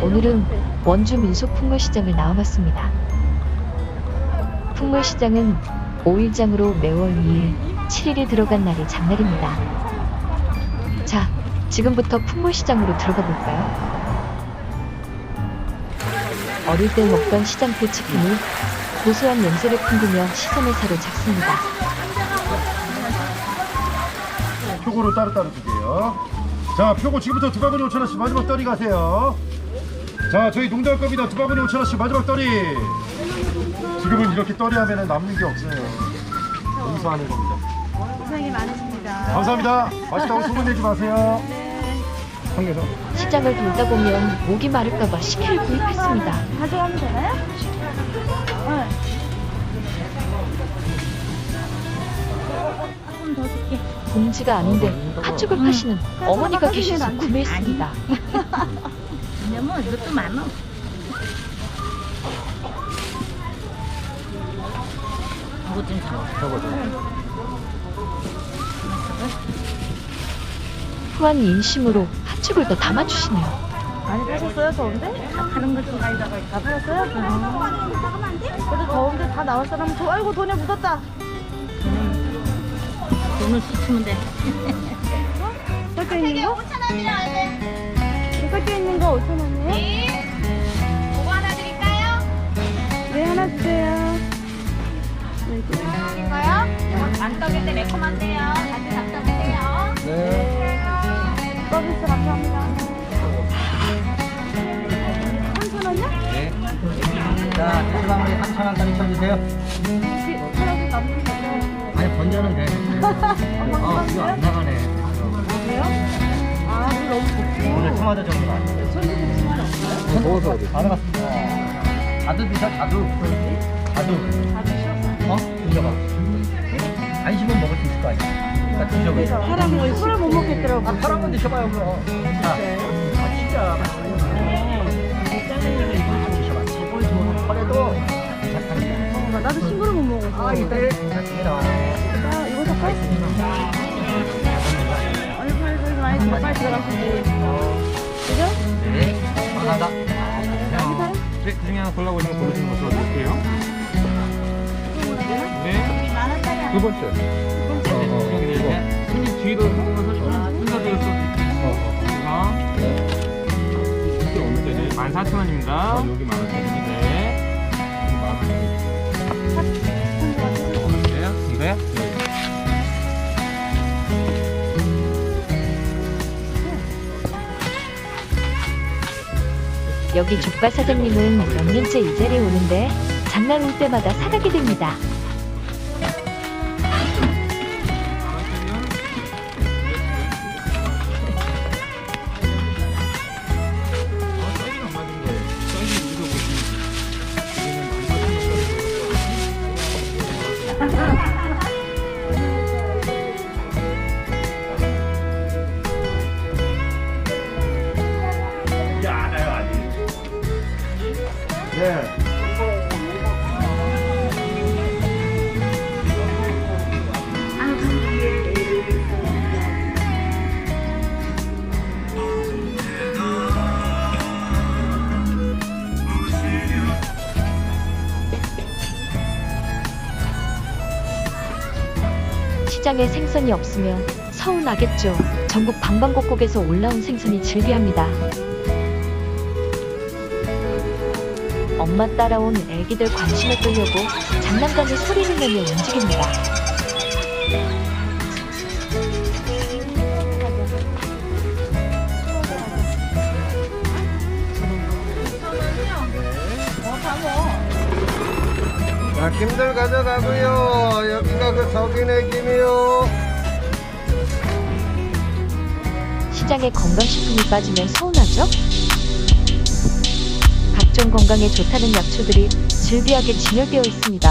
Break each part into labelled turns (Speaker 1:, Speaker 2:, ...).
Speaker 1: 오늘은 원주 민속풍물시장을 나와봤습니다. 풍물시장은 5일장으로 매월 2일, 7일이 들어간 날이 장날입니다. 자, 지금부터 풍물시장으로 들어가 볼까요? 어릴 때 먹던 시장표 치킨이 고소한 냄새를 풍기며 시선을 사로잡습니다.
Speaker 2: 표고로 따로따로 주세요. 자, 표고 지금부터 2바구니 5,000원씩 마지막 떨이 가세요. 자, 저희 농담 겁니다. 2바구니 5,000원씩 마지막 떨이. 지금은 이렇게 떨이 하면 남는 게 없어요. 용서하는 겁니다.
Speaker 3: 고생이 많으십니다.
Speaker 2: 감사합니다. 맛있다고 소문내지 마세요.
Speaker 3: 네.
Speaker 1: 시장을 돌다 보면 목이 마를까봐 식혜를 구입했습니다.
Speaker 3: 가져가면 되나요? 응. 조금 더 줄게.
Speaker 1: 봉지가 아닌데 팥죽을 파시는 어머니가 계셔서 구매했습니다.
Speaker 3: 왜냐면 이것도 많아. 이거 좀 사.
Speaker 1: 후한 인심으로 팥죽을 더 담아주시네요.
Speaker 3: 많이 파셨어요? 더운데? 다른 것좀 가져다가 다 팔았어요? 그래도 더운데 다 나올 사람은 더. 아이고 돈에 묻었다. 돈을 씻으면 돼. 섞여 있는 거? 5,000원이요. 섞여 있는 거 5,000원이에요?
Speaker 4: 네. 그거 하나 드릴까요?
Speaker 3: 네, 하나 주세요.
Speaker 4: 이거요? 장떡인데 매콤한데요. 같이 장떡이세요.
Speaker 2: 네.
Speaker 3: 서비스 감사합니다. 3,000원이요?
Speaker 5: 네. 자, 소주방울이 3,000원짜리 쳐주세요.
Speaker 3: 하나씩 남는 거죠?
Speaker 5: 아니, 번전은 돼. 이거 안 나가네.
Speaker 3: 왜요? 아, 물 너무 좋고.
Speaker 5: 오늘 토마토 정도가 아니에요.
Speaker 3: 손님 없어요?
Speaker 5: 더워서 그래. 안 나갔습니다. 자두 드셔, 자두. 자두.
Speaker 3: 다들 쉬었어요.
Speaker 5: 드셔봐. 안 씹으면 먹을 수 있을 거 아니야. 자, 드셔보세요.
Speaker 3: 사람은 술을 못 먹겠더라고.
Speaker 5: 한 번 드셔봐요, 그럼. 자, 진짜 맛있어요. 드셔봐. 제일 좋은 펄에도 괜찮답니다.
Speaker 3: 나도 친구를 못 먹었어.
Speaker 5: 이때 괜찮습니다.
Speaker 3: 자, 이거 살까? 아니, 많이 들어, 빨리 들어가시지. 그죠?
Speaker 5: 네, 감사합니다.
Speaker 3: 많이 사요?
Speaker 6: 네, 그 중에 하나 골라보시면 고르시는 것으로 드릴게요. 네. 두 번째. 여기 이제 손님 뒤로 보면서 순서대로 써드릴게요. 이거 어느 때는 14,000원입니다. 여기 15,000원인데. 이거요? 네.
Speaker 1: 여기 족발 사장님은 몇 년째 이 자리에 오는데 장날 올 때마다 사가게 됩니다.
Speaker 2: 네.
Speaker 1: 시장에 생선이 없으면 서운하겠죠. 전국 방방곡곡에서 올라온 생선이 즐비합니다. 엄마 따라온 애기들 관심을 끌려고 장난감에 소리를 내며 움직입니다.
Speaker 5: 자, 김들 가져가고요. 여기가 그 석인의 김이요.
Speaker 1: 시장에 건강식품이 빠지면 서운하죠? 각종 건강에 좋다는 약초들이 즐비하게 진열되어 있습니다.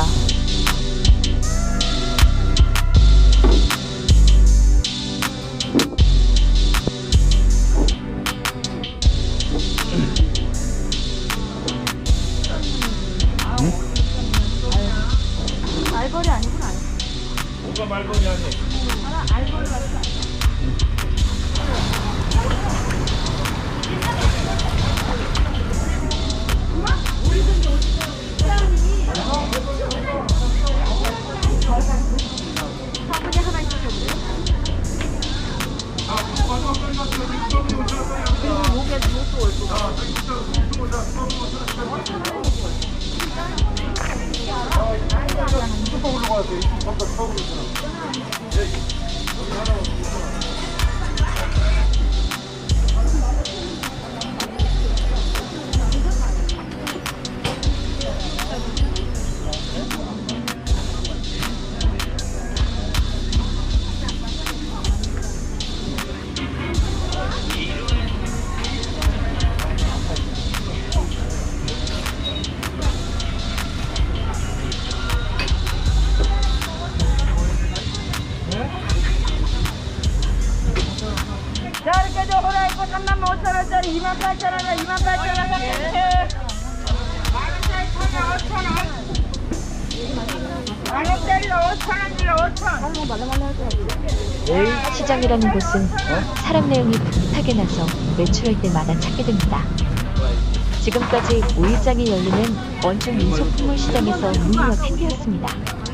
Speaker 3: 알거리 아니구나.
Speaker 2: 뭐가 말벌이 아니?
Speaker 3: 알거리 같지 않아.
Speaker 2: 들어가세요. 23까지 4,500원.
Speaker 3: 자, 이렇게 저 호라이코 35,000원짜리 28,000원에 28,000원 만원짜리로 5,000원짜리 5,000원.
Speaker 1: 시장이라는 곳은 사람 내용이 풋풋하게 나서 매출할 때마다 찾게 됩니다. 지금까지 5일장이 열리는 원주 민속품물 시장에서 문희와 캔디였습니다.